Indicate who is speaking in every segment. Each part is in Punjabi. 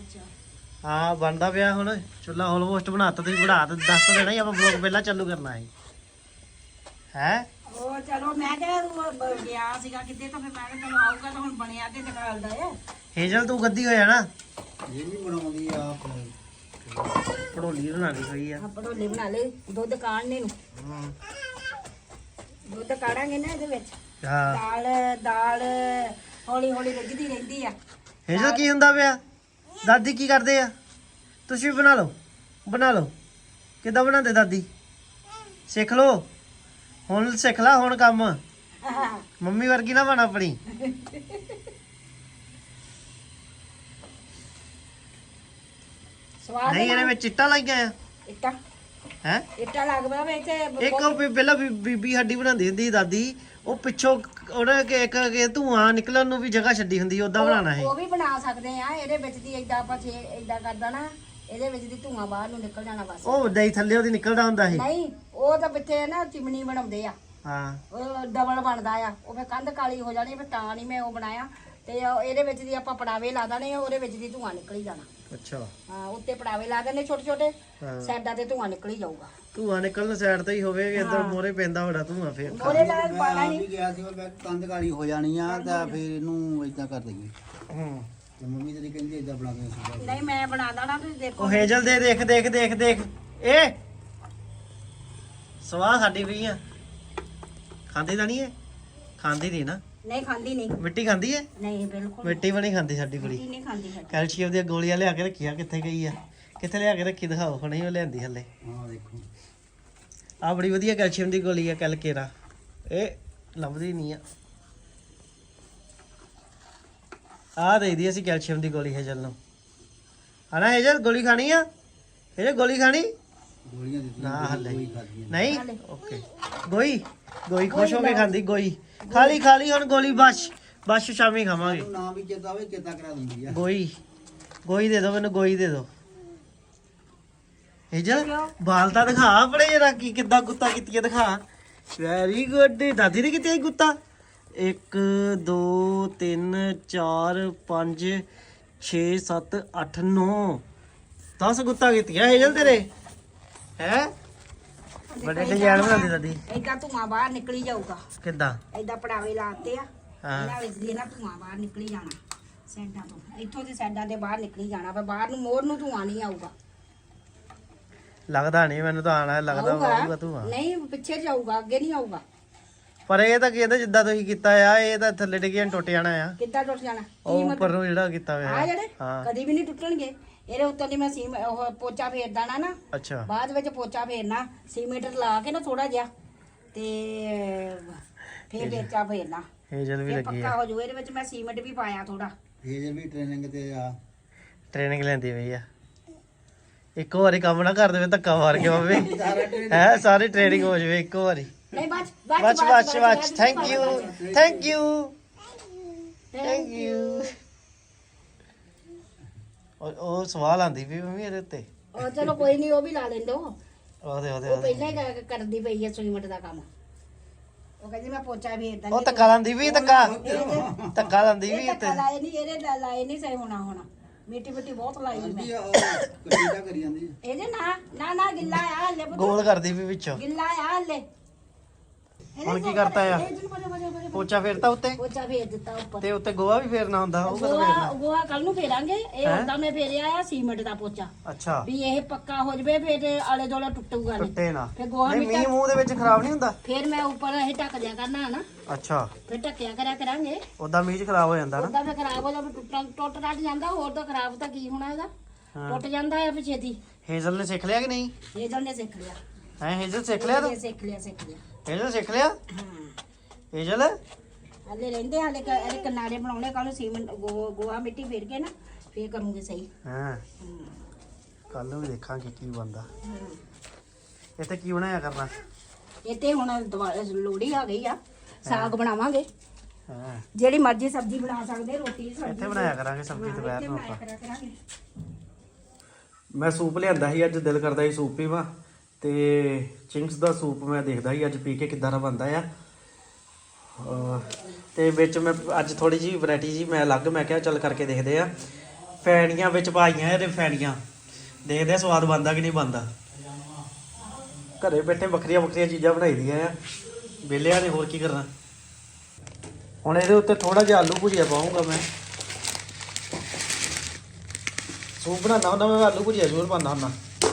Speaker 1: ਹਾਂ ਬਣਦਾ ਪਿਆ ਹੁਣ ਚੁੱਲ੍ਹਾ ਆਲਮੋਸਟ ਬਣਾਤਾ ਤੁਸੀਂ ਬਣਾ ਤਾਂ ਦੱਸ ਤਾਂ ਦੇਣਾ ਹੀ ਆਪਾਂ ਵਲੌਗ ਪਹਿਲਾਂ ਚਾਲੂ ਕਰਨਾ ਹੈ
Speaker 2: ਉਹ ਚਲੋ ਮੈਂ ਕਿਹਾ ਉਹ ਗਿਆ ਸੀਗਾ ਕਿਤੇ ਤਾਂ ਫਿਰ ਮੈਂ ਕਿਹਾ ਚਲੋ ਆਊਗਾ ਤਾਂ ਹੁਣ ਬਣਿਆ ਤੇ ਦਿਖਾਲਦਾ ਹੈ
Speaker 1: ਹੇਜਲ ਤੂੰ ਗੱਦੀ ਹੋਇਆ ਨਾ
Speaker 3: ਇਹ ਵੀ ਬਣਾਉਂਦੀ ਆ
Speaker 1: ਪੜੋਲੀ ਬਣਾਣੀ ਹੋਈ ਆ
Speaker 2: ਪੜੋਲੇ ਬਣਾ ਲੈ ਦੁੱਧ ਕਾੜਨੇ ਨੂੰ ਦੁੱਧ ਕਾੜਾਂਗੇ ਨਾ ਇਹਦੇ ਵਿੱਚ
Speaker 1: ਹਾਂ
Speaker 2: ਦਾਲ ਹੌਲੀ ਹੌਲੀ ਰਿੱਝਦੀ ਰਹਿੰਦੀ ਆ
Speaker 1: ਹੇਜਲ ਕੀ ਹੁੰਦਾ ਪਿਆ ਦਾਦੀ ਕੀ ਕਰਦੇ ਆ ਤੁਸੀਂ ਵੀ ਬਣਾ ਲਓ ਕਿੱਦਾਂ ਬਣਾਉਂਦੇ ਦਾਦੀ ਸਿੱਖ ਲਓ ਹੁਣ ਸਿੱਖ ਲਾ ਹੁਣ ਕੰਮ ਮੰਮੀ ਵਰਗੀ ਨਾ ਬਣ ਆਪਣੀ
Speaker 2: ਸਵਾਦ
Speaker 1: ਨਹੀਂ ਇਹਨੇ ਵਿੱਚ ਚਿੱਟਾ ਲਾਈ ਗਿਆ
Speaker 2: ਇੱਟਾ
Speaker 1: ਹੈ
Speaker 2: ਇੱਟਾ ਲੱਗਦਾ ਵਿੱਚ
Speaker 1: ਇੱਕ ਉਹ ਪਹਿਲਾਂ ਬੀਬੀ ਸਾਡੀ ਬਣਾਉਂਦੀ ਹੁੰਦੀ ਸੀ ਦਾਦੀ ਉਹ ਪਿੱਛੋਂ ਉਹਨੇ ਇੱਕ ਧੂਆਂ ਨਿਕਲਣ ਨੂੰ ਵੀ ਜਗ੍ਹਾ ਛੱਡੀ ਹੁੰਦੀ ਉਦਾਂ ਬਣਾਉਣਾ ਹੈ
Speaker 2: ਉਹ ਵੀ ਬਣਾ ਸਕਦੇ ਆ ਇਹਦੇ ਵਿੱਚ ਦੀ ਏਦਾਂ ਆਪਾਂ ਏਦਾਂ ਕਰਦਾ ਨਾ ਇਹਦੇ ਵਿੱਚ ਦੀ ਧੂਆਂ ਬਾਹਰ ਨੂੰ ਨਿਕਲ ਜਾਣਾ ਬਸ
Speaker 1: ਉਹ ਵੱਡਾ ਹੀ ਥੱਲੇ ਉਹਦੀ ਨਿਕਲਦਾ ਹੁੰਦਾ ਸੀ
Speaker 2: ਨਹੀਂ ਉਹ ਤਾਂ ਪਿੱਛੇ ਨਾ ਚਿਮਨੀ ਬਣਾਉਂਦੇ ਆ
Speaker 1: ਹਾਂ
Speaker 2: ਉਹ ਡਬਲ ਬਣਦਾ ਆ ਉਹ ਫਿਰ ਕੰਧ ਕਾਲੀ ਹੋ ਜਾਣੀ ਫਿਰ ਤਾਂ ਨਹੀਂ ਮੈਂ ਉਹ ਬਣਾਇਆ ਤੇ ਇਹਦੇ ਵਿੱਚ ਦੀ ਆਪਾਂ ਪੜਾਵੇ ਲਾ ਦੇਣੇ ਉਹਦੇ ਵਿੱਚ ਦੀ ਧੂਆਂ ਨਿਕਲੀ ਜਾਣਾ
Speaker 1: ਅੱਛਾ
Speaker 2: ਹਾਂ ਉੱਤੇ ਪੜਾਵੇ ਲਾ ਦੇਣੇ ਛੋਟੇ ਛੋਟੇ ਸਾਈਡਾਂ ਤੇ ਧੂਆਂ ਨਿਕਲੀ ਜਾਊਗਾ
Speaker 1: ਧੂਆਂ ਨਿਕਲਣ ਸਾਈਡ ਤੇ ਹੀ ਹੋਵੇ ਇੱਧਰ ਮੋਰੇ ਪੈਂਦਾ ਵੱਡਾ ਧੂਆਂ ਫੇਰ
Speaker 2: ਉਹਦੇ ਨਾਲ ਪਾਣਾ ਨਹੀਂ
Speaker 3: ਗਿਆ ਸੀ ਉਹ ਕੰਧ ਕਾਲੀ ਹੋ ਜਾਣੀ ਆ ਤਾਂ ਫਿਰ ਇਹਨੂੰ ਇਦਾਂ ਕਰ ਦਈਏ
Speaker 1: ਹੂੰ
Speaker 3: ਤੇ ਮੰਮੀ ਤੇਰੀ ਕਹਿੰਦੀ ਇਦਾਂ ਬਣਾ ਕੇ ਸੁਣਾ
Speaker 2: ਨਹੀਂ ਮੈਂ ਬਣਾ ਦੇਣਾ ਤੁਸੀਂ ਦੇਖੋ
Speaker 1: ਉਹ ਹੇਜਲ ਦੇ ਦੇਖ ਇਹ ਸਵਾਹ ਸਾਡੀ ਵੀ ਆ ਖਾਂਦੀ ਤਾਂ ਨਹੀਂ ਇਹ ਖਾਂਦੀ ਨਹੀਂ ਨਾ
Speaker 2: ਨਹੀਂ ਖਾਂਦੀ ਨਹੀਂ
Speaker 1: ਮਿੱਟੀ ਖਾਂਦੀ ਹੈ
Speaker 2: ਨਹੀਂ ਬਿਲਕੁਲ
Speaker 1: ਮਿੱਟੀ ਵੀ ਨਹੀਂ ਖਾਂਦੀ ਸਾਡੀ ਕੁੜੀ
Speaker 2: ਨਹੀਂ ਖਾਂਦੀ ਹੈ
Speaker 1: ਕੈਲਸ਼ੀਅਮ ਦੀਆਂ ਗੋਲੀਆਂ ਲਿਆ ਕੇ ਰੱਖੀਆਂ ਕਿੱਥੇ ਗਈ ਆ ਕਿੱਥੇ ਲਿਆ ਕੇ ਰੱਖੀ ਦਿਖਾਓ ਹੁਣੇ ਉਹ ਲਿਆਂਦੀ ਹੱਲੇ
Speaker 3: ਹਾਂ ਦੇਖੋ
Speaker 1: ਆ ਬੜੀ ਵਧੀਆ ਕੈਲਸ਼ੀਅਮ ਦੀ ਗੋਲੀ ਆ ਕੈਲਕੇਰਾ ਇਹ ਲੱਭਦੀ ਨਹੀਂ ਆ ਦੇਈਦੀ ਅਸੀਂ ਕੈਲਸ਼ੀਅਮ ਦੀ ਗੋਲੀ ਹੇਜਲ ਨੂੰ ਹਨਾ ਹੇਜਲ ਗੋਲੀ ਖਾਣੀ ਆ ਹੇਜਲ ਗੋਲੀ ਖਾਣੀ
Speaker 3: ਗੋਲੀਆਂ ਦਿੱਤੀਆਂ
Speaker 1: ਨਾ ਹੱਲੇ
Speaker 3: ਕੋਈ ਖਾਦੀਆਂ
Speaker 1: ਨਹੀਂ ਓਕੇ ਗੋਈ ਖੁਸ਼ ਹੋ ਕੇ ਖਾਂਦੀ ਗੋਈ ਖਾਲੀ ਹੁਣ ਗੋਲੀ ਬਸ ਸ਼ਾਮੀ ਖਾਵਾਂਗੇ
Speaker 3: ਨਾ ਵੀ ਚੇਤਾ ਆਵੇ ਚੇਤਾ ਕਰਾ ਦਿੰਦੀ ਆ
Speaker 1: ਗੋਈ ਦੇ ਦਿਓ ਮੈਨੂੰ ਗੋਈ ਦੇ ਦਿਓ ਹੇਜਲ ਬਾਲ ਤਾਂ ਦਿਖਾ ਆਪਣੇ ਜਰਾ ਕੀ ਕਿੱਦਾਂ ਗੁੱਤਾ ਕੀਤੀ ਦਿਖਾ ਵੈਰੀ ਗੁੱਡ ਦਾਦੀ ਨੇ ਕੀਤੀ ਗੁੱਤਾ 1 2 3 4 5 6 7 8 9 10 ਗੁੱਤਾ ਕੀਤੀਆਂ ਹੇਜਲ ਤੇਰੇ ਹੈ ਬੜੇ ਡਿਜ਼ਾਈਨ ਬਣਾਉਂਦੀ ਦਾਦੀ
Speaker 2: ਏਦਾਂ ਧੂਆਂ ਬਾਹਰ ਨਿਕਲੀ ਜਾਊਗਾ
Speaker 1: ਕਿੱਦਾਂ
Speaker 2: ਏਦਾਂ ਪੜਾਵੇ ਲਾਤੇ ਆ
Speaker 1: ਹਾਂ
Speaker 2: ਇਹਨਾਂ ਵਿੱਚ ਦੀ ਨਾ ਧੂਆਂ ਬਾਹਰ ਨਿਕਲੀ ਜਾਣਾ ਸਾਈਡਾਂ ਤੋਂ ਇੱਥੋਂ ਦੀ ਸਾਈਡਾਂ ਤੇ ਬਾਹਰ ਨਿਕਲੀ ਜਾਣਾ ਪਰ ਬਾਹਰ ਨੂੰ ਮੋੜ ਨੂੰ ਧੂਆਂ ਨਹੀਂ ਆਊਗਾ
Speaker 1: ਲੱਗਦਾ ਨਹੀਂ ਮੈਨੂੰ ਤਾਂ ਆਣਾ ਲੱਗਦਾ ਆਊਗਾ ਤੂੰ
Speaker 2: ਨਹੀਂ ਪਿੱਛੇ ਜਾਊਗਾ ਅੱਗੇ ਨਹੀਂ ਆਊਗਾ
Speaker 1: ਪਰ ਇਹ ਤਾਂ ਕਹਿੰਦਾ ਜਿੱਦਾਂ ਤੁਸੀਂ ਕੀਤਾ ਆ ਇਹ ਤਾਂ ਥੱਲੇ ਡਿੱਗਿਆ ਟੁੱਟ ਜਾਣਾ ਆ
Speaker 2: ਕਿੱਦਾਂ ਟੁੱਟ ਜਾਣਾ
Speaker 1: ਉਹ ਉੱਪਰ ਨੂੰ ਜਿਹੜਾ ਕੀਤਾ ਹੋਇਆ
Speaker 2: ਆ ਜਿਹੜੇ
Speaker 1: ਹਾਂ
Speaker 2: ਕਦੀ ਵੀ ਨਹੀਂ ਟੁੱਟਣਗੇ ਇਹਦੇ ਉੱਤੋਂ ਦੀ ਮੈਂ ਉਹ ਪੋਚਾ ਫੇਰ ਦੇਣਾ ਨਾ
Speaker 1: ਅੱਛਾ
Speaker 2: ਬਾਅਦ ਵਿੱਚ ਪੋਚਾ ਫੇਰਨਾ ਸੀਮੈਂਟ ਲਾ ਕੇ ਨਾ ਥੋੜਾ ਜਿਹਾ ਤੇ ਫੇਰ ਪੋਚਾ ਫੇਰਨਾ
Speaker 1: ਹੇਜਲ ਵੀ
Speaker 2: ਇਹ
Speaker 1: ਲੱਗੀ
Speaker 2: ਪੱਕਾ
Speaker 1: ਆ
Speaker 2: ਹੋ ਜਾਊ ਇਹਦੇ ਵਿੱਚ ਮੈਂ ਸੀਮੈਂਟ ਵੀ ਪਾਇਆ ਥੋੜਾ
Speaker 3: ਇਹ ਵੀ ਟ੍ਰੇਨਿੰਗ ਤੇ ਆ
Speaker 1: ਟ੍ਰੇਨਿੰਗ ਲੈਂਦੀ ਪਈ ਆ ਇੱਕੋ ਵਾਰੀ ਕੰਮ ਨਾ ਕਰ ਦੇਵੇ ਧੱਕਾ ਮਾਰ ਕੇ ਬਾਬੇ ਹੈ ਸਾਰੀ ਟ੍ਰੇਨਿੰਗ ਹੋ ਜਾਵੇ ਇੱਕੋ ਵਾਰੀ
Speaker 2: ਨਹੀਂ
Speaker 1: ਬਚ ਥੈਂਕ ਯੂ ਉਹ ਸਵਾਲ ਆਂਦੀ ਵੀ ਮੰਮੀ ਇਹਦੇ ਉੱਤੇ
Speaker 2: ਉਹ ਚਲੋ ਕੋਈ ਨਹੀਂ ਉਹ ਵੀ ਲਾ ਲੈਂਦੋ
Speaker 1: ਉਹਦੇ
Speaker 2: ਉਹ ਪਹਿਲਾਂ ਹੀ ਕਰਦੀ ਪਈ ਹੈ ਸੀਮੈਂਟ ਦਾ ਕੰਮ ਉਹ ਕਹਿੰਦੀ ਮੈਂ ਪੋਚਾ ਵੀ ਇਦਾਂ
Speaker 1: ਉਹ ਧੱਕਾ ਲਾਂਦੀ ਵੀ ਧੱਕਾ ਲਾਂਦੀ ਵੀ
Speaker 2: ਧੱਕਾ ਲਾਏ ਨਹੀਂ ਇਹਦੇ ਲਾਏ ਨਹੀਂ ਸਹੀ ਹੋਣਾ ਮਿੱਟੀ ਬਹੁਤ ਲਾਈ ਮੈਂ
Speaker 3: ਕਿੱਦਾਂ ਕਰੀ ਜਾਂਦੀ
Speaker 2: ਇਹਦੇ ਨਾ ਗਿੱਲਾ ਆ ਹਲੇ
Speaker 1: ਗੋਲ ਕਰਦੀ ਵੀ ਵਿੱਚੋਂ
Speaker 2: ਗਿੱਲਾ ਆ ਹਲੇ
Speaker 1: ਹੁਣ ਕੀ ਕਰਤਾ ਆ ਪੋਚਾ ਫੇਰਤਾ ਉੱਤੇ
Speaker 2: ਪੋਚਾ ਫੇਰ ਦਿੱਤਾ ਉੱਪਰ
Speaker 1: ਤੇ ਉੱਤੇ ਗੋਹਾ ਵੀ ਫੇਰਨਾ ਹੁੰਦਾ ਉਹ ਕਦੋਂ ਫੇਰਨਾ
Speaker 2: ਗੋਹਾ ਕੱਲ ਨੂੰ ਫੇਰਾਂਗੇ ਇਹ ਹੁੰਦਾ ਮੈਂ ਫੇਰਿਆ ਆ ਸੀਮੈਂਟ ਦਾ ਪੋਚਾ
Speaker 1: ਅੱਛਾ
Speaker 2: ਵੀ ਇਹ ਪੱਕਾ ਹੋ ਜਵੇ ਫੇਰ ਆਲੇ ਦੋਲੇ ਟੁੱਟੂਗਾ ਨਹੀਂ
Speaker 1: ਟੁੱਟੇ ਨਾ
Speaker 2: ਫੇਰ ਗੋਹਾ
Speaker 1: ਨਹੀਂ ਮੀਂਹ ਮੂੰਹ ਦੇ ਵਿੱਚ ਖਰਾਬ ਨਹੀਂ ਹੁੰਦਾ
Speaker 2: ਫੇਰ ਮੈਂ ਉੱਪਰ ਇਹ ਢੱਕ ਦਿਆ ਕਰਨਾ ਨਾ
Speaker 1: ਅੱਛਾ
Speaker 2: ਫੇਰ ਢੱਕਿਆ ਕਰਿਆ ਕਰਾਂਗੇ
Speaker 1: ਉਦਾਂ ਮੀਂਹ ਚ ਖਰਾਬ ਹੋ ਜਾਂਦਾ ਨਾ
Speaker 2: ਉਦਾਂ ਫੇਰ ਖਰਾਬ ਹੋ ਜਾਵੇ ਟੁੱਟ ਰੱਟ ਜਾਂਦਾ ਹੋਰ ਤਾਂ ਖਰਾਬ ਤਾਂ ਕੀ ਹੋਣਾ ਇਹਦਾ ਟੁੱਟ ਜਾਂਦਾ ਹੈ ਫੇਰ ਛੇਤੀ
Speaker 1: ਹੇਜ਼ਲ ਨੇ ਸਿੱਖ ਲਿਆ ਕਿ ਨਹੀਂ
Speaker 2: ਹੇਜ਼ਲ ਨੇ ਸਿੱਖ ਲਿਆ
Speaker 1: ਹੈ ਹੇਜ਼ਲ ਸਿੱਖ ਲਿਆ ਤੂੰ
Speaker 2: ਸਿੱਖ ਲਿਆ
Speaker 1: ਹੇਜ਼ਲ ਸਿੱਖ ਲਿਆ
Speaker 2: ਹਾਂ
Speaker 1: ਹੇਜ਼ਲ
Speaker 2: ਹਲੇ ਰਹਿੰਦੇ ਹਲੇ ਇਹਦੇ ਕਿਨਾਰੇ ਬਣਾਉਣੇ ਕੱਲ ਸੀਮੈਂਟ ਗੋਹਾ ਮਿੱਟੀ ਫੇਰ ਕੇ ਨਾ ਫੇਰ ਕਰੂੰਗੇ ਸਹੀ
Speaker 1: ਹਾਂ ਕੱਲ ਨੂੰ ਵੀ ਦੇਖਾਂਗੇ ਕੀ ਬਣਦਾ ਇੱਥੇ ਕੀ ਬਣਾਇਆ ਕਰਨਾ
Speaker 2: ਇੱਥੇ ਹੁਣ ਲੋੜੀ ਆ ਗਈ ਆ ਸਾਗ ਬਣਾਵਾਂਗੇ
Speaker 1: ਹਾਂ
Speaker 2: ਜਿਹੜੀ ਮਰਜ਼ੀ ਸਬਜ਼ੀ ਬਣਾ ਸਕਦੇ ਰੋਟੀ ਸਬਜ਼ੀ
Speaker 1: ਇੱਥੇ ਬਣਾਇਆ ਕਰਾਂਗੇ ਸਬਜ਼ੀ ਦੁਪਹਿਰ ਨੂੰ ਆਪਾਂ
Speaker 2: ਕਰਿਆ ਕਰਾਂਗੇ
Speaker 1: ਮੈਂ ਸੂਪ ਲਿਆਂਦਾ ਸੀ ਅੱਜ ਦਿਲ ਕਰਦਾ ਸੀ ਸੂਪ ਪੀਵਾਂ ਤੇ ਚਿੰਗਸ ਦਾ ਸੂਪ ਮੈਂ ਦੇਖਦਾ ਸੀ ਅੱਜ ਪੀ ਕੇ ਕਿੱਦਾਂ ਦਾ ਬਣਦਾ ਆ ਤੇ ਵਿੱਚ ਮੈਂ ਅੱਜ ਥੋੜੀ ਜਿਹੀ ਵੈਰਾਈਟੀ ਜੀ ਮੈਂ ਕਿਹਾ ਚੱਲ ਕਰਕੇ ਦੇਖਦੇ ਆ ਫੈਣੀਆਂ ਵਿੱਚ ਪਾਈਆਂ ਇਹਦੇ ਫੈਣੀਆਂ। ਦੇਖਦੇ ਆ ਸਵਾਦ ਬਣਦਾ ਕਿ ਨਹੀਂ ਬਣਦਾ। ਘਰੇ ਬੈਠੇ ਵੱਖਰੀਆਂ ਵੱਖਰੀਆਂ ਚੀਜ਼ਾਂ ਬਣਾਈ ਦੀਆਂ ਆ, ਵਿਹਲਿਆਂ ਨੇ ਹੋਰ ਕੀ ਕਰਨਾ। ਹੁਣ ਇਹਦੇ ਉੱਤੇ ਥੋੜਾ ਜਿਹਾ ਆਲੂ ਭੁਜੀਆ ਪਾਉਂਗਾ ਮੈਂ। ਸੂਪ ਬਣਾਉਣਾ ਹੁੰਦਾ ਮੈਂ, ਆਲੂ ਭੁਜੀਆ ਜ਼ਰੂਰ ਪਾਉਂਦਾ ਹੁੰਦਾ।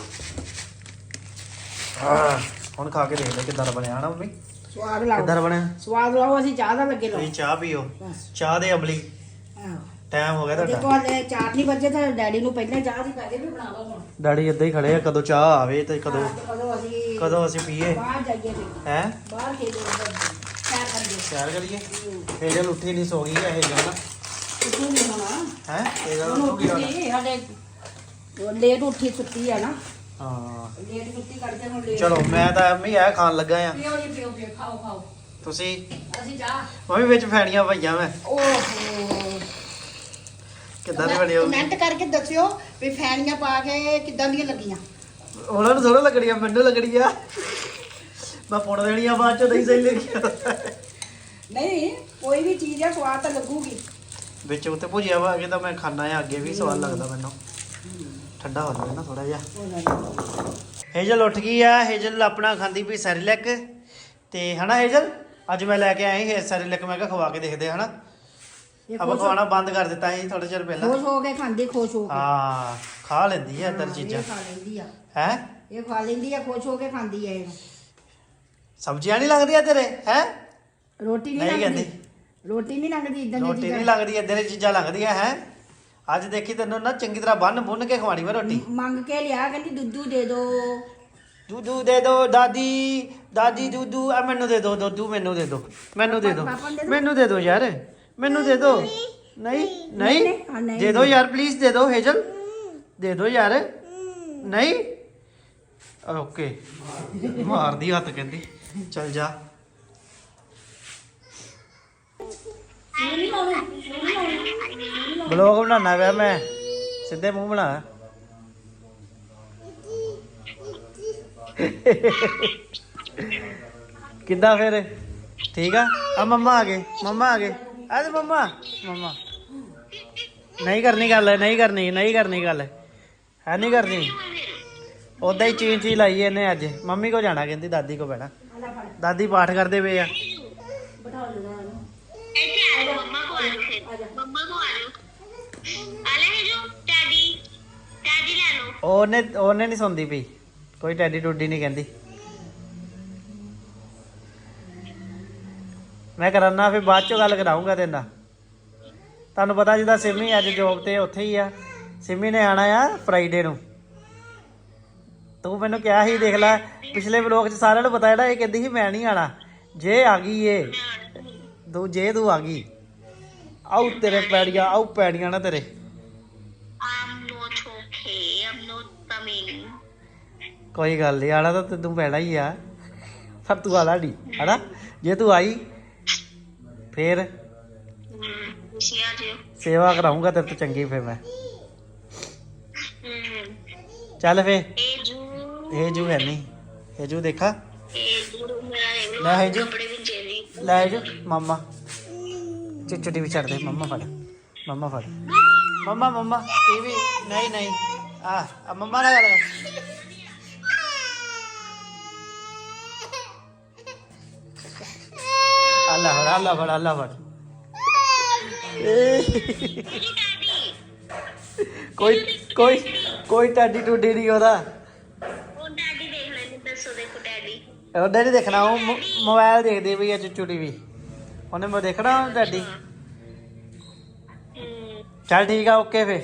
Speaker 1: ਹੁਣ ਖਾ ਕੇ ਦੇਖ ਲੈ ਕਿੱਦਾਂ ਦਾ ਬਣਿਆ ਹਨਾ ਮੰਮੀ?
Speaker 2: ਸਵਾਦ ਲਾਓ,
Speaker 1: ਕਿੱਦਾਂ ਦਾ ਬਣਿਆ?
Speaker 2: ਸਵਾਦ ਲਾਓ। ਅਸੀਂ ਚਾਹ ਦਾ ਲੱਗੇ ਲਾਓ।
Speaker 1: ਤੁਸੀਂ ਚਾਹ ਪੀਓ,
Speaker 2: ਬਸ।
Speaker 1: ਚਾਹ ਦੇ ਅਮਲੀ।
Speaker 2: ਆਹੋ
Speaker 1: ਟਾਈਮ ਹੋ ਗਿਆ ਤੁਹਾਡਾ।
Speaker 2: ਦੇਖੋ ਹਲੇ 4 ਨਹੀਂ ਵਜੇ ਤਾਂ ਡੈਡੀ ਨੂੰ ਪਹਿਲਾਂ ਚਾਹ ਦੀ ਪੈਦੇ ਵੀ ਬਣਾ ਲਓ ਹੁਣ।
Speaker 1: ਡੈਡੀ ਇੱਦਾਂ ਹੀ ਖੜੇ ਆ, ਕਦੋਂ ਚਾਹ ਆਵੇ ਤੇ ਕਦੋਂ
Speaker 2: ਕਦੋਂ ਅਸੀਂ
Speaker 1: ਪੀਏ
Speaker 2: ਬਾਹਰ ਜਾਈਏ ਤੇ
Speaker 1: ਹੈ।
Speaker 2: ਬਾਹਰ ਖੇਡੋ ਸੈਰ ਕਰੀਏ।
Speaker 1: ਸੈਰ ਕਰੀਏ। ਹੇਜਲ ਉੱਠੀ ਨਹੀਂ, ਸੋ ਗਈ ਹੈ ਹੇਜਲ ਨਾ।
Speaker 2: ਉੱਠੂ ਨਹੀਂ ਹੋਣਾ
Speaker 1: ਹੈ ਹੇਜਲ
Speaker 2: ਹੁਣ
Speaker 1: ਉੱਠੂਗੀ ਹੁਣ।
Speaker 2: ਉੱਠੀ ਸਾਡੇ ਲੇਟ ਉੱਠੀ ਸੁੱਤੀ ਆ ਨਾ,
Speaker 1: ਹਾਂ
Speaker 2: ਲੇਟ ਸੁੱਤੀ ਕਰਕੇ ਹੁਣ ਲੇਟ।
Speaker 1: ਚਲੋ ਮੈਂ ਤਾਂ ਐਵੇਂ ਆ ਖਾਣ ਲੱਗਾ ਆ।
Speaker 2: ਪੀਓ ਜੀ ਪੀਓ ਪੀਓ, ਖਾਓ ਖਾਓ।
Speaker 1: ਤੁਸੀਂ
Speaker 2: ਅਸੀਂ ਚਾਹ
Speaker 1: ਮੰਮੀ ਵਿੱਚ ਫੈਣੀਆਂ ਪਈਆਂ ਮੈਂ
Speaker 2: ਓਹੋ
Speaker 1: ਕਿੱਦਾਂ ਦੇ ਬਣੇ ਹੋ?
Speaker 2: ਕਮੈਂਟ ਕਰਕੇ ਦੱਸਿਓ ਵੀ ਫੈਨੀਆਂ ਪਾ ਕੇ ਕਿੱਦਾਂ ਦੀਆਂ ਲੱਗੀਆਂ।
Speaker 1: ਉਹਨਾਂ ਨੂੰ ਥੋੜਾ ਲੱਗਣੀਆਂ, ਮੈਨੂੰ ਲੱਗਣੀ ਆ। ਮੈਂ ਪੁਣ ਦੇਣੀ ਆ ਬਾਅਦ ਚੋਂ, ਨਹੀਂ ਸਹੀ ਲੱਗੀਆਂ।
Speaker 2: ਨਹੀਂ ਕੋਈ ਵੀ ਚੀਜ਼ ਆ ਸਵਾਦ ਤਾਂ ਲੱਗੂਗੀ।
Speaker 1: ਵਿੱਚ ਉੱਤੇ ਭੁਜਿਆ ਵਾ ਕੇ ਤਾਂ ਮੈਂ ਖਾਣਾ ਆ, ਅੱਗੇ ਵੀ ਸਵਾਦ ਲੱਗਦਾ ਮੈਨੂੰ। ਠੰਡਾ ਹੋ ਜਾਵੇ ਨਾ ਥੋੜਾ ਜਿਹਾ। ਹੇਜਲ ਉੱਠ ਗਈ ਆ। ਹੇਜਲ ਆਪਣਾ ਖਾਂਦੀ ਪਈ ਸੈਰੀਲੈਕ ਤੇ ਹਨਾ ਹੇਜਲ। ਅੱਜ ਮੈਂ ਲੈ ਕੇ ਆਈ ਸੈਰੀਲੈਕ, ਮੈਂ ਕਿਹਾ ਖਵਾ ਕੇ ਦੇਖਦੇ ਆ ਹਨਾ। ਆਪਾਂ ਖਵਾਉਣਾ ਬੰਦ ਕਰ ਦਿੱਤਾ ਸੀ ਥੋੜੇ ਚਿਰ ਪਹਿਲਾਂ।
Speaker 2: ਖੁਸ਼ ਹੋ ਕੇ ਖਾਂਦੀ, ਖੁਸ਼ ਹੋ ਕੇ।
Speaker 1: ਹਾਂ ਖਾ ਲੈਂਦੀ ਆ ਇੱਧਰ ਚੀਜ਼ਾਂ।
Speaker 2: ਇਹ ਖਾ ਲੈਂਦੀ ਆ,
Speaker 1: ਹੈ
Speaker 2: ਇਹ ਖਾ ਲੈਂਦੀ ਆ, ਖੁਸ਼ ਹੋ ਕੇ ਖਾਂਦੀ ਆ। ਇਹ
Speaker 1: ਸਬਜ਼ੀਆਂ ਨਹੀਂ ਲੱਗਦੀਆਂ ਤੇਰੇ ਹੈ?
Speaker 2: ਰੋਟੀ
Speaker 1: ਨਹੀਂ
Speaker 2: ਨਹੀਂ
Speaker 1: ਕਹਿੰਦੀ।
Speaker 2: ਲੰਗਦੀ, ਰੋਟੀ ਨਹੀਂ ਲੰਗਦੀ ਇਦਾਂ ਦੀ
Speaker 1: ਰੋਟੀ ਨਹੀਂ ਲੱਗਦੀ, ਇੱਧਰ ਦੀ ਚੀਜ਼ਾਂ ਲੱਗਦੀਆਂ ਹੈ। ਅੱਜ ਦੇਖੀ ਤੈਨੂੰ ਨਾ ਚੰਗੀ ਤਰ੍ਹਾਂ ਬੰਨ ਕੇ ਖਵਾਣੀ ਮੈਂ ਰੋਟੀ।
Speaker 2: ਮੰਗ ਕੇ ਲਿਆ, ਕਹਿੰਦੀ ਦੁੱਧੂ ਦੇ ਦੋ,
Speaker 1: ਦੁੱਧੂ ਦੇ ਦੋ ਦਾਦੀ, ਦਾਦੀ ਦੁੱਧੂ। ਆ ਮੈਨੂੰ ਦੇ ਦੋ ਦੁੱਧੂ, ਮੈਨੂੰ ਦੇ ਦੋ, ਮੈਨੂੰ ਦੇ ਦੋ, ਮੈਨੂੰ ਦੇ ਦੋ ਯਾਰ, ਮੈਨੂੰ ਦੇ ਦੋ। ਨਹੀਂ ਨਹੀਂ ਦੇ ਦੋ ਯਾਰ, ਪਲੀਜ਼ ਦੇ ਦੋ ਹੇਜਲ, ਦੇ ਦੋ ਯਾਰ। ਨਹੀਂ ਓਕੇ ਮਾਰਦੀ ਹੱਥ ਕਹਿੰਦੀ ਚੱਲ ਜਾ। ਬਲੌਗ ਬਣਾਉਣਾ ਪਿਆ ਮੈਂ, ਸਿੱਧੇ ਮੂੰਹ ਬਣਾ। ਕਿੱਦਾਂ ਫਿਰ ਠੀਕ ਆ ਮੰਮਾ ਆ ਗਏ, ਮੰਮਾ ਆ ਗਏ। ਆ ਤੇ ਮੰਮਾ, ਮੰਮਾ ਨਹੀਂ ਕਰਨੀ ਗੱਲ, ਨਹੀਂ ਕਰਨੀ, ਨਹੀਂ ਕਰਨੀ ਗੱਲ ਹੈ, ਨਹੀਂ ਕਰਨੀ। ਉਦਾਂ ਹੀ ਚੀਂ ਚੀਂ ਲਾਈ ਇਹਨੇ ਅੱਜ। ਮੰਮੀ ਕੋ ਜਾਣਾ ਕਹਿੰਦੀ, ਦਾਦੀ ਕੋ ਬਹਿਣਾ। ਦਾਦੀ ਪਾਠ ਕਰਦੇ ਪਏ ਆ। ਉਹਨੇ ਨਹੀਂ ਸੁਣਦੀ ਪਈ, ਕੋਈ ਟੈਡੀ ਟੁੱਡੀ ਨਹੀਂ ਕਹਿੰਦੀ। ਮੈਂ ਕਰਾਨਾ ਫਿਰ ਬਾਅਦ ਚੋਂ ਗੱਲ ਕਰਾਉਂਗਾ ਤੇਰੇ ਨਾਲ। ਤੁਹਾਨੂੰ ਪਤਾ ਜਿੱਦਾਂ ਸਿਮੀ ਅੱਜ ਜੋਬ ਤੇ ਉੱਥੇ ਹੀ ਆ। ਸਿਮੀ ਨੇ ਆਣਾ ਆ ਫਰਾਈਡੇ ਨੂੰ। ਤੂੰ ਮੈਨੂੰ ਕਿਹਾ ਸੀ, ਦੇਖ ਲੈ ਪਿਛਲੇ ਵਲੋਗ 'ਚ ਸਾਰਿਆਂ ਨੂੰ ਪਤਾ ਜਿਹੜਾ ਇਹ ਕਹਿੰਦੀ ਸੀ ਮੈਂ ਨਹੀਂ ਆਣਾ। ਜੇ ਆ ਗਈ ਏ ਜੇ ਤੂੰ ਆ ਗਈ, ਆਉ ਤੇਰੇ ਪੈੜੀਆਂ, ਆਉ ਪੈੜੀਆਂ ਨਾ ਤੇਰੇ। ਕੋਈ ਗੱਲ ਨਹੀਂ, ਆਣਾ ਤਾਂ ਤੈਨੂੰ ਪੈਣਾ ਹੀ ਆ, ਪਰ ਤੂੰ ਆਣਾ ਨਹੀਂ ਹਨਾ। ਜੇ ਤੂੰ ਆਈ ਫੇਰ ਸੇਵਾ ਕਰਾਉਂਗਾ ਤੇਰੇ ਤੋਂ ਚੰਗੀ। ਫੇਰ ਮੈਂ ਚੱਲ ਫੇਰ। ਹੇਜੂ ਹੈ ਨਹੀਂ, ਹੇਜੂ ਦੇਖਾ ਲੈ, ਹੇਜੂ ਲੈ, ਹੇਜੂ ਮਾਮਾ ਚੁੱਟੀ ਵੀ ਛੱਡ ਦੇ। ਮੰਮਾ ਫੜ, ਮੰਮਾ ਫੜ, ਮੰਮਾ ਮੰਮਾ ਇਹ ਵੀ ਨਹੀਂ ਨਹੀਂ ਆ ਮੰਮਾ ਨਾਲ ਗੱਲ ਕਰ। ਅੱਲਾ ਫੜ, ਅੱਲਾ ਫੜ, ਅੱਲਾ ਫੜ। ਕੋਈ ਕੋਈ ਕੋਈ ਟਾਡੀ ਟੁੱਡੀ ਨਹੀਂ ਉਹਦਾ। ਉਹ ਡੈਡੀ ਦੇਖਣਾ, ਉਹ ਮੋਬਾਈਲ ਦੇਖਦੀ ਪਈ ਆ ਚੁੱਚੂ ਟੀਵੀ। ਉਹਨੇ ਮੈਂ ਦੇਖਣਾ ਡੈਡੀ। ਚੱਲ ਠੀਕ ਆ, ਓਕੇ ਫੇ।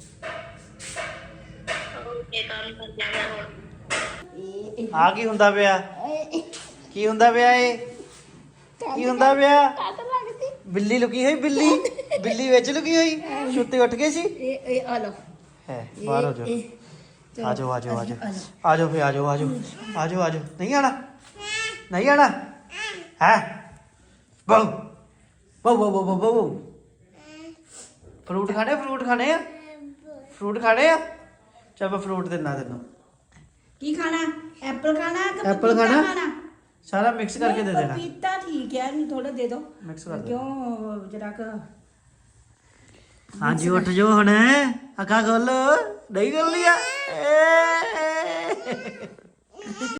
Speaker 1: ਆ ਕੀ ਹੁੰਦਾ ਪਿਆ? ਕੀ ਹੁੰਦਾ ਪਿਆ? ਇਹ ਕੀ ਹੁੰਦਾ ਪਿਆ? ਬਿੱਲੀ ਲੁਕੀ ਹੋਈ, ਬਿੱਲੀ ਬਿੱਲੀ ਵਿੱਚ ਲੁਕੀ ਹੋਈ। ਸੁੱਤੇ ਉੱਠ ਗਏ ਸੀ।
Speaker 2: ਇਹ ਆ ਲਓ
Speaker 1: ਹੈ ਬਾਹਰ ਹੋ ਜਾਓ। ਆਜੋ ਆਜੋ ਆਜੋ ਆਜੋ ਫੇ, ਆਜੋ ਆਜੋ ਆਜੋ ਆਜੋ। ਨਹੀਂ ਆਣਾ, ਨਹੀਂ ਆਣਾ ਹੈ। ਬਹੁ ਬਹੁ ਬਹੁ ਬਹੁ ਬਹੁ ਫਰੂਟ ਖਾਣੇ, ਫਰੂਟ ਖਾਣੇ ਆ, ਫਰੂਟ ਖਾਣੇ ਆ। ਚੱਲ ਮੈਂ ਫਰੂਟ ਦਿੰਦਾ ਤੈਨੂੰ।
Speaker 2: ਕੀ ਖਾਣਾ? ਐਪਲ ਖਾਣਾ ਕਿ
Speaker 1: ਐਪਲ
Speaker 2: ਪਪੀਤਾ
Speaker 1: ਖਾਣਾ? ਸਾਰਾ ਮਿਕਸ ਕਰਕੇ ਦੇ ਦੇਣਾ।
Speaker 2: ਪਪੀਤਾ ਠੀਕ ਹੈ, ਇਹਨੂੰ ਥੋੜਾ ਦੇ ਦਿਓ।
Speaker 1: ਮਿਕਸ ਕਰ ਦੇ।
Speaker 2: ਕਿਉਂ ਜਰਾ ਕ
Speaker 1: ਹਾਂਜੀ ਉੱਠ ਜਾਓ ਹੁਣ ਅੱਖਾਂ ਖੋਲੋ ਨਹੀਂ ਖੋਲੀਆਂ